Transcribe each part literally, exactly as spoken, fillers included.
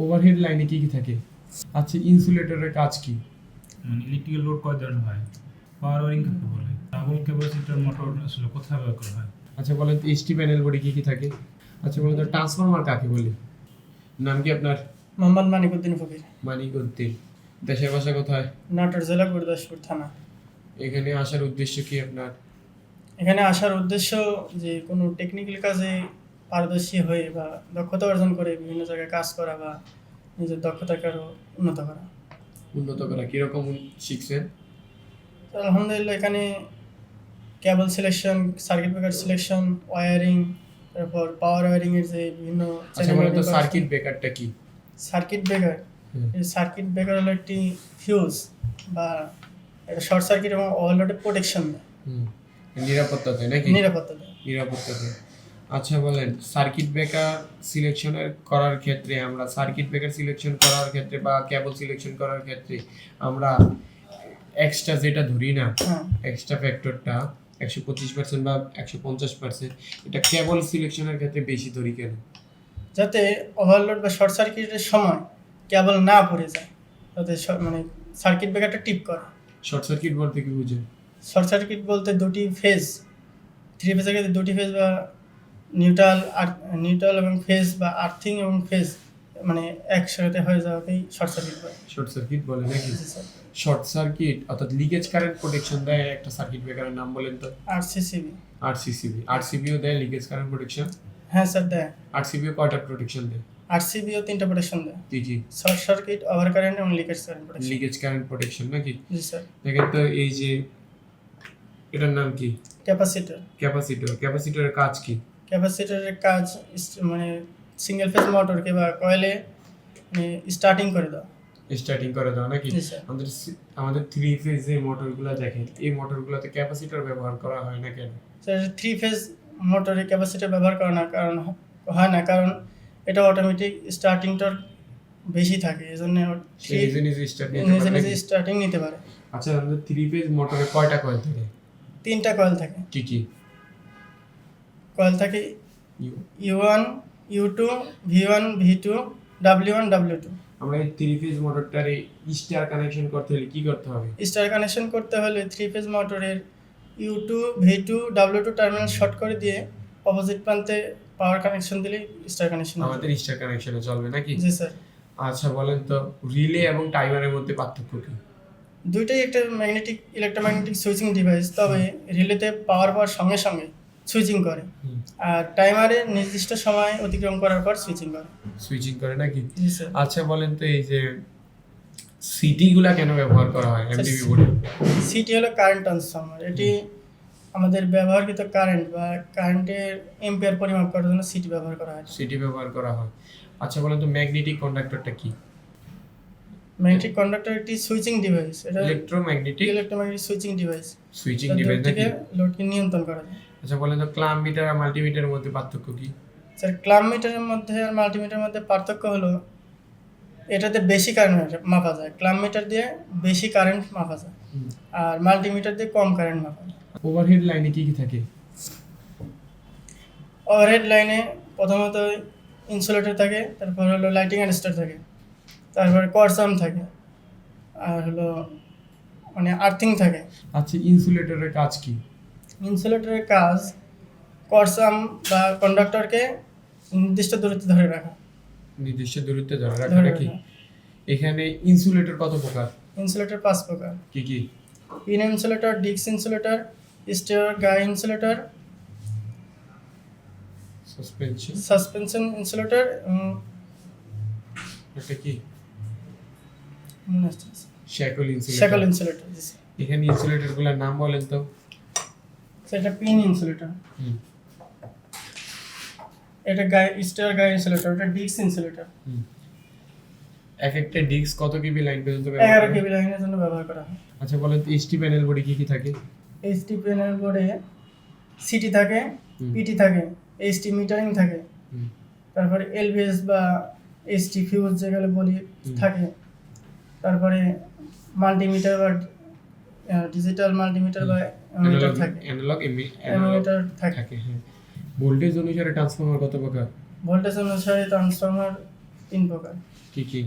Overhead লাইনে কি কি থাকে? আচ্ছা, ইনসুলেটরের কাজ কি? মানে ইলেকট্রিক্যাল লোড কয় ধরনের হয়, পাওয়ার ওয়ারিং কাকে বলে, ডাবল ক্যাপাসিটর মোটর আসলে কোথায় ব্যবহার করা হয়? আচ্ছা বলেন তো, এইচটি প্যানেল বডি কি কি থাকে? আচ্ছা বলেন তো, ট্রান্সফরমার কাকে বলে? নাম কি আপনার? মোহাম্মদ মানিকউদ্দিন ফকির, মানিকউদ্দিন। দেশের বাসা কোথায়? নাটোর জেলা গুরদাসপুর থানা। এখানে আসার উদ্দেশ্য কি আপনার? এখানে আসার উদ্দেশ্য যে কোনো টেকনিক্যাল কাজে পারদর্শী হয়ে বা দক্ষতা অর্জন করে বিভিন্ন জায়গায় কাজ করা বা নিজের দক্ষতাকে আরও উন্নত করা। উন্নত করা কিরকম শিখছেন? তো আলহামদুলিল্লাহ এখানে cable selection, circuit breaker selection, wiring, তারপর পাওয়ার ওয়্যারিংয়ের যে বিভিন্ন আচ্ছা বলেন তো, সার্কিট ব্রেকারটা কি? সার্কিট ব্রেকার এই সার্কিট ব্রেকার হলো একটি ফিউজ বা একটা শর্ট সার্কিট এবং ওভারলোডে প্রোটেকশন দেয়, হুম, নিরাপত্তা দেয় নাকি? নিরাপত্তা দেয়। নিরাপত্তা দেয়। আচ্ছা বলেন, সার্কিট ব্রেকার সিলেকশনের করার ক্ষেত্রে আমরা সার্কিট ব্রেকার সিলেকশন করার ক্ষেত্রে বা কেবল সিলেকশন করার ক্ষেত্রে আমরা এক্সট্রা যেটা ধরি না, হ্যাঁ, এক্সট্রা ফ্যাক্টরটা একশো পঁচিশ পার্সেন্ট বা একশো পঞ্চাশ পার্সেন্ট, এটা কেবল সিলেকশনের ক্ষেত্রে বেশি ধরি কেন? যাতে ওভারলোড বা শর্ট সার্কিটের সময় কেবল না পড়ে যায়, যাতে শ- মানে সার্কিট ব্রেকারটা টিপ করে। শর্ট সার্কিট বলতে কি বুঝে? শর্ট সার্কিট বলতে দুটি ফেজ, থ্রি ফেজের ক্ষেত্রে দুটি ফেজ বা নিউট্রাল আর নিউট্রাল এবং ফেজ বা আর্থিং এবং ফেজ মানে একসাথে হয়ে যাওয়াকেই শর্ট সার্কিট বলে। শর্ট সার্কিট বলে নাকি? জি স্যার। শর্ট সার্কিট অর্থাৎ লিকেজ কারেন্ট প্রোটেকশন দেয় একটা সার্কিট ব্রেকারের নাম বলেন তো? আর সিসিবি। আরসিসিবি। আরসিবিও দেয় লিকেজ কারেন্ট প্রোটেকশন? হ্যাঁ স্যার দেয়। আরসিবিও কয়টা প্রোটেকশন দেয়? আর সিবিও তিনটা প্রোটেকশন দেয়, কি কি? শর্ট সার্কিট, ওভার কারেন্ট এবং leakage current protection. Leakage current protection নাকি? জি স্যার। দেখেন তো, এই যে এটার নাম কি? ক্যাপাসিটর। ক্যাপাসিটর। ক্যাপাসিটরের কাজ কি? ক্যাপাসিটরের কাজ ইস- মানে সিঙ্গেল ফেজ মোটরকে বা কয়েলে মানে স্টার্টিং করে দাও। স্টার্টিং করে দাও নাকি? জি স্যার। আমাদের সি- আমাদের থ্রি ফেজ যে মোটরগুলো দেখেন, এই মোটরগুলোতে ক্যাপাসিটর ব্যবহার করা হয় না কেন? স্যার থ্রি ফেজ মোটরে ক্যাপাসিটর ব্যবহার করে না কারণ হয় না কারণ এটা অটোমেটিক স্টার্টিং টর্ক বেশি থাকে, এই জন্য সে নিজে নিজে স্টার্ট নিতে নিজে পারে নিজে নাকি? স্টার্টিং নিতে পারে। আচ্ছা, আমাদের থ্রি ফেজ মোটরে কয়টা কয়েল থাকে? তিনটা কয়েল থাকে। কি কি? কয়েল থাকে U- U one, U two, V one, V two, W one, W two. আমরা এই থ্রি ফেজ মোটরটারে স্টার কানেকশন করতে হলে কি করতে হবে? স্টার কানেকশন করতে হলে থ্রি ফেজ মোটরের U two, V two, W two terminal short করে দিয়ে অপোজিট প্রান্তে পাওয়ার কানেকশন দিলে স্টার কানেকশন। আমাদের স্টার কানেকশনে চলবে নাকি? জি স্যার। আচ্ছা বলেন তো, রিলে এবং টাইমারের মধ্যে পার্থক্য কি? দুইটাই একটা ম্যাগনেটিক ইলেকট্রোম্যাগনেটিক সুইচিং ডিভাইস, তবে রিলেতে পাওয়ার পাওয়ার সঙ্গে সঙ্গে সুইচিং করে হুম। আর টাইমারে নির্দিষ্ট সময় অতিক্রম করার পর সুইচিং করে। সুইচিং করে নাকি? জি স্যার। আচ্ছা বলেন তো, এই যে সিটি গুলা কেন ব্যবহার করা হয় এমডিবি বোর্ডে? সিটি হলো কারেন্ট ট্রান্সফর্মার, এটি আমাদের ব্যবহৃত কারেন্ট বা কারেন্টের এম্পিয়ার পরিমাপ করার জন্য সিটি ব্যবহার করা হয়। সিটি ব্যবহার করা হয়। আচ্ছা বলেন তো, ম্যাগনেটিক কন্ডাক্টরটা কি? ম্যাগনেটিক কন্ডাক্টর একটি সুইচিং ডিভাইস, এটা electromagnetic electromagnetic switching device, switching load device থেকে নাকি? লোডকে নিয়ন্ত্রণ করা যায়। আচ্ছা বলেন তো, ক্লাম মিটার আর মাল্টিমিটারের মধ্যে পার্থক্য কি? স্যার ক্লাম মিটারের মধ্যে আর মাল্টিমিটারের মধ্যে পার্থক্য হলো এটাতে বেশি কারেন্ট মাপা যায়, ক্লাম মিটার দিয়ে বেশি কারেন্ট মাপা যায় আর মাল্টিমিটার দিয়ে কম কারেন্ট মাপা যায়। ওভারহেড লাইনে কি কি থাকে? ওভারহেড লাইনে প্রথমত ইনসুলেটর থাকে, তারপর হলো লাইটিং অ্যাডাস্টার থাকে, তারপরে কোয়ার্সাম থাকে, আর হলো মানে আর্থিং থাকে। আচ্ছা, ইনসুলেটরের কাজ কি? ইনসুলেটরের কাজ কোয়ার্সাম বা কন্ডাক্টরকে নির্দিষ্ট দূরত্বে ধরে রাখা। নির্দিষ্ট দূরত্বে ধরে রাখা ধরে নাকি? রাখা। এখানে ইনসুলেটর কত প্রকার? ইনসুলেটর পাঁচ প্রকার: কি কি? Pin insulator, disc insulator, stay guy insulator, suspension, suspension insulator এবং এটা কি? মনে হচ্ছে শ্যাকল শ্যাকল ইনসুলেটর। ইনসুলেটর। এখানে ইনসুলেটরগুলোর নাম বলেন তো? সেটা পিন ইনসুলেটর, হুম এটা গাই স্টেয়র গাই ইনসুলেটর, এটা ডিস্ক ইনসুলেটর। হুম এক একটা ডিস্ক কত কেবি লাইন পর্যন্ত ব্যবহার এগারো করে? কেবি লাইনের জন্য ব্যবহার করা হয়। আচ্ছা বলেন তো, এইচটি প্যানেল বডি কি কি থাকে? এইচটি প্যানেল বোর্ডে সিটি থাকে, হুম। পিটি থাকে, এইচটি মিটারিং থাকে, হুম। তারপরে এলভিএস বা এইচটি ফিউজ যেগুলো বলি হুম। থাকে, তারপরে মাল্টিমিটার বা ডিজিটাল মাল্টিমিটার বা মিটার থাকে, অ্যানালগ এমিটার থাকে। থাকে। হ্যাঁ। ভোল্টেজ অনুসারে ট্রান্সফরমার কত প্রকার? ভোল্টেজ অনুসারে ট্রান্সফরমার তিন প্রকার। কি কি?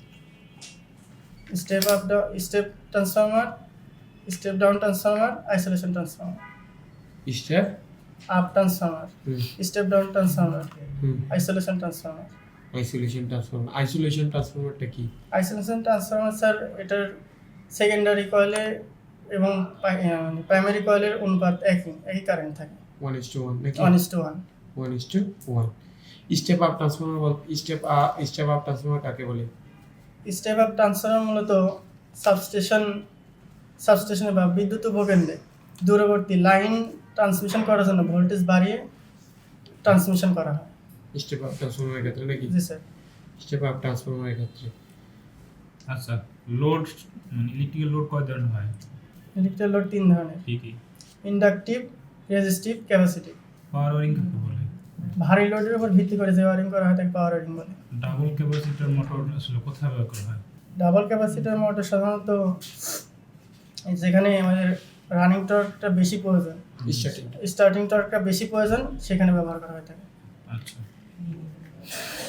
Step up step transformer, step down transformer, isolation transformer. Step up transformer, hmm step down transformer, hmm isolation transformer. Isolation transformer. Isolation ট্রান্সফরমারটা কি? আইসোলেশন ট্রান্সফরমার স্যার এটার সেকেন্ডারি কয়েলে এবং প্রাইমারি কয়েলের অনুপাত একই একই কারেন্ট থাকে, ওয়ান ইস টু ওয়ান নাকি? One is two one. One is two one. Step up transformer বল step up step up transformer কাকে বলে? স্টেপ আপ ট্রান্সফরমার মূলত সাবস্টেশন সাবস্টেশনে বা বিদ্যুৎ উপকেন্দ্রে দূরবর্তী লাইন ট্রান্সমিশন করার জন্য ভোল্টেজ বাড়িয়ে ট্রান্সমিশন করা হয়। স্টেপ আপ ট্রান্সফরমারের ক্ষেত্রে নাকি? জি স্যার। স্টেপ আপ ট্রান্সফরমারের ক্ষেত্রে আচ্ছা, লোড মানে ইলেকট্রিক্যাল লোড কয় ধরনের হয়? ইলেকট্রিক্যাল লোড তিন ধরনের: কি কি? Inductive, resistive, capacitive. Power wiring কাকে বলে? ভারী লোডের উপর ভিত্তি করে যে ওয়ারিং করা হয় তাকে পাওয়ার ওয়ারিং বলে। ডাবল ক্যাপাসিটর মোটর আসলে কোথায় ব্যবহার করা হয়? ডাবল ক্যাপাসিটর মোটর সাধারণত যেখানে আমাদের রানিং টর্কটা বেশি প্রয়োজন, স্টার্টিং স্টার্টিং টর্কটা বেশি প্রয়োজন সেখানে ব্যবহার করা হয়ে থাকে। আচ্ছা।